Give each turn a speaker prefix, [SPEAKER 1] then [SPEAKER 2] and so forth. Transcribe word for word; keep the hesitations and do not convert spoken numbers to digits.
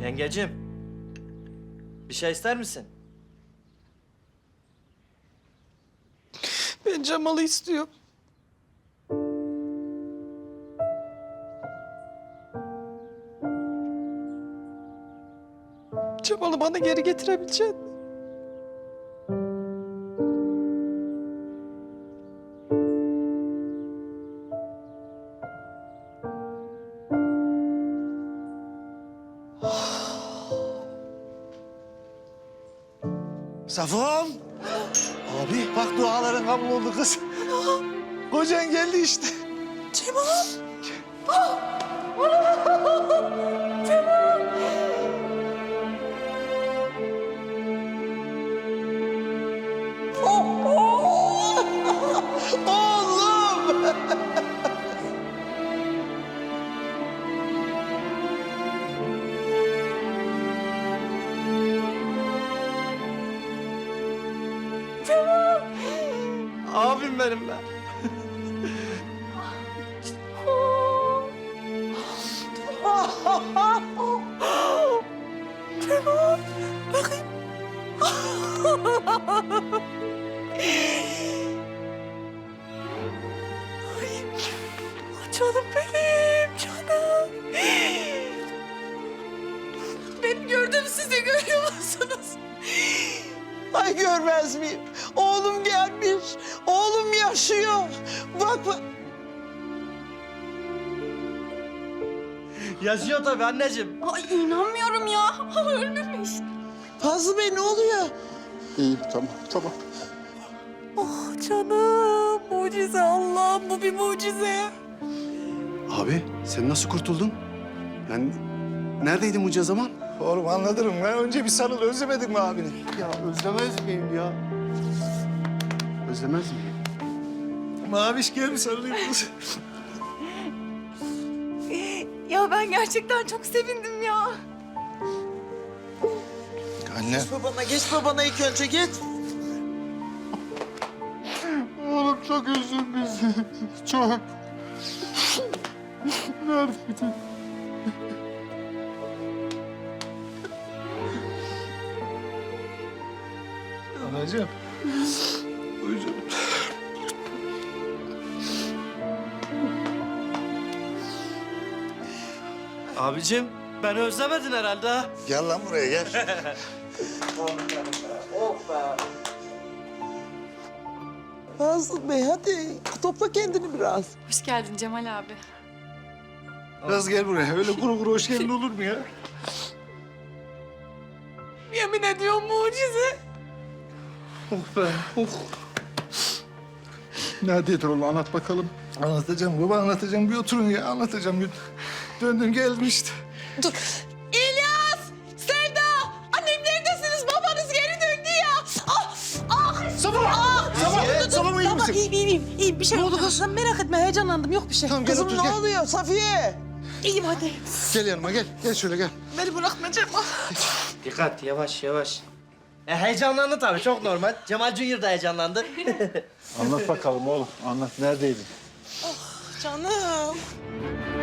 [SPEAKER 1] Yengecim, bir şey ister misin?
[SPEAKER 2] Ben Cemal'i istiyorum. Cemal'i bana geri getirebilecek misin?
[SPEAKER 3] Safon! Abi bak duaların kabul oldu kız. Kocan geldi işte.
[SPEAKER 2] Cemal!
[SPEAKER 3] Oğlum!
[SPEAKER 1] Abim benim ben.
[SPEAKER 2] Cemal! Bakayım. Ay, canım benim, canım. Benim gördüğümü siz de görüyor musunuz? Ay görmez miyim? Oğlum gelmiş. Oğlum yaşıyor. Bak bak.
[SPEAKER 1] Yaşıyor tabii anneciğim.
[SPEAKER 4] Ay inanmıyorum ya. Ölmemiş.
[SPEAKER 2] Fazlı Bey ne oluyor?
[SPEAKER 5] İyiyim, tamam, tamam.
[SPEAKER 2] Oh canım. Mucize Allah'ım. Bu bir mucize.
[SPEAKER 5] Abi, sen nasıl kurtuldun? Yani neredeydin bunca zaman?
[SPEAKER 3] Oğlum anlatırım ben. Önce bir sarıl. Özlemedin mi abini?
[SPEAKER 5] Ya özlemez miyim ya? Özlemez miyim?
[SPEAKER 3] Maviş gel bir sarılayım kız.
[SPEAKER 4] Ya ben gerçekten çok sevindim ya.
[SPEAKER 3] Anne.
[SPEAKER 2] Geç babana, geç babana ilk önce git.
[SPEAKER 5] Oğlum çok üzdün bizi. Çok. Neredeydin?
[SPEAKER 3] Anacığım. Buyur canım.
[SPEAKER 1] Abicim, beni özlemedin herhalde ha.
[SPEAKER 3] Gel lan buraya gel.
[SPEAKER 2] Fazıl Bey hadi topla kendini biraz.
[SPEAKER 4] Hoş geldin Cemal abi.
[SPEAKER 3] Kız gel buraya. Öyle kuru kuru hoş geldin olur mu ya?
[SPEAKER 2] Yemin ediyorum mucize.
[SPEAKER 5] Neredeydin oğlum? Anlat bakalım.
[SPEAKER 3] Anlatacağım baba anlatacağım. Bir oturun ya anlatacağım. Bir döndüm geldim işte.
[SPEAKER 2] Dur. İlyas! Sevda! Annem neredesiniz? Babanız geri döndü ya. Ah! Ah!
[SPEAKER 3] Sabah!
[SPEAKER 2] Ah!
[SPEAKER 3] Sabah! Sabah iyi misin?
[SPEAKER 2] İyiyim, iyiyim, iyiyim. Bir şey yok. Sen merak etme, heyecanlandım. Yok bir şey.
[SPEAKER 3] Tamam, gel
[SPEAKER 2] Kızım
[SPEAKER 3] otur,
[SPEAKER 2] ne
[SPEAKER 3] gel.
[SPEAKER 2] oluyor Safiye? İyiyim hadi.
[SPEAKER 3] Gel yanıma gel. Gel şöyle gel.
[SPEAKER 2] Beni bırakma Cemal.
[SPEAKER 1] Dikkat, yavaş yavaş. E, heyecanlandı tabii, çok normal. Cemal Junior da heyecanlandı.
[SPEAKER 5] Anlat bakalım oğlum. Anlat. Neredeydin?
[SPEAKER 2] Canım.